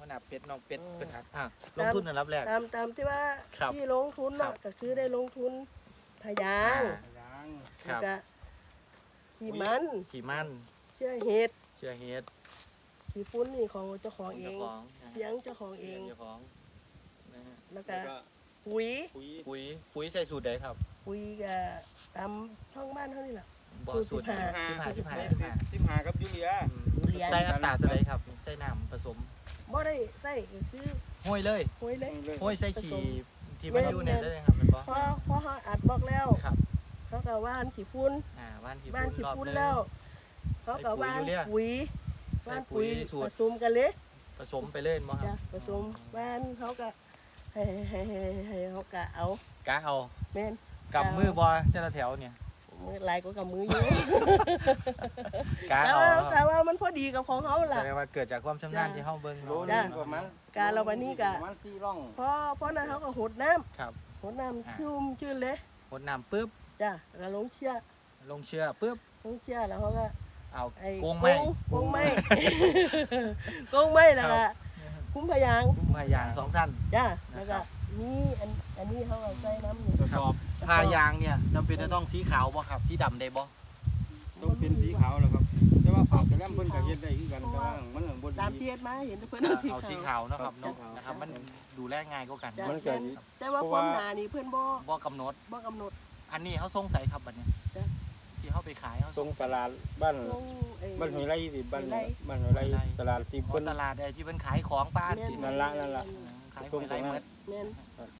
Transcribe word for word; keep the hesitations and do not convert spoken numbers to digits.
นาเป็ดน้องเป็ดเป็นครับอ่ะลงทุนอันดับแรกตามตามที่ว่าครับที่ลงทุนครัเนาะบก็คือได้ลงทุนพยางยางคแล้วรับก็ขี้มันขี่มันเชื่อเห็ดเชื่อเฮ็ดขี้ฟุ้นนี่ของเจ้าของเอเจ้าง ของนะฮะเลี้ยงเจ้าของเอเลี้ยงงเจ้าของนะฮะแล้วแล้ก็วก็ปุ๋ยปุ๋ยปุ๋ยปุ๋ยใส่สูตรใดครับปุ๋ยก็ตามท้องบ้านเท่านี้แหละบ่สูสูตตรรสิบห้าสิบห้าสิบห้าสิบห้าสิบห้ากับยูเรียอืมใส่อัตราตัวใดครับใส่น้ำผสมบ่ได้ใส่ก็คือห้อยเลยปุ๋ยเลยห้อยใส่ขี่ผสมที่มันอยู่เนี่ยได้เลยครับแมันบ่พอพอเขาอัดบอกแล้วครับเขาก็ว่านขี้ฟุ้นอ่าว่านขี่บ้านขี้รอบฟุ้นหนึ่งแล้วเขาก็ว่านใส่ปุ๋ยอยู่เนี่ยปุ๋ยใส่ว่านปุ๋ปุ๋ยยสูตรผสมกันเลยผสมไปเลยมั้งคจ้ะรับผสมบ้านเขาก็ให้ให้ให้ให้เขาก็เอากะเอาแม่นกับมือบอแต่ละแถวเนี่ยมือหลายก็กับมืออยู่กะแต่เอาว่าเนาะแต่ว่ามันพอดีกับของเขาแสล่ะดงว่าเกิดจากความชำนาญจ้ะที่เฮาเบิ่งโลเนาะนึงประมาณการเราวันนี้ก็ประมาณสี่ร่องพอพอนั้นเขาก็หดน้ำครับหดน้ำชุ่มชื่นเลยหดน้ำปุ๊บจ้ะแล้วก็ลงเชือกลงเชือกปุ๊บลงเชือกแล้วเขาก็เอาไอ้โกงไม้โกงไม้ โกงไม้แล้วก็คุ้มพยางคุ้มพายางสองสั้นจ้ะแล้วก็นี่อันอันนี้เขาเอาใส่น้ำนี่กระสอบพายางเนี่ยจำเป็นจะต้องสีขาวบ่ครับสีดำได้บ่ต้องเป็นสีขาวแล้วครับแต่ว่าฝากแต่แลมเพิ่นก็เฮ็ดได้คือกันแต่ว่ามันบ่ตามดีเทียดมาเห็นเพื่อนเอาที่เอาสีเขาขาวเนาะครับเนาะครับนะครับ มันดูแลง่ายกว่ากันจ้ะมันก็แต่ว่าความหนานี่เพื่อนบ่บ่กำหนดบ่กำหนดอันนี้เขาส่งใส่ครับบัดเนี้ยจ้ะที่เขาไปขายเขาส่งตลาดบ้านลงไอ้บ้านหอยไร่สิบ้านหอยไร่บ้านหอยไร่ตลาดที่ขอเพิ่นตลาดไอ้ที่เพิ่นขายของป้าแม่นที่นั่นละนั่นละขายหวยไรเมดแม่น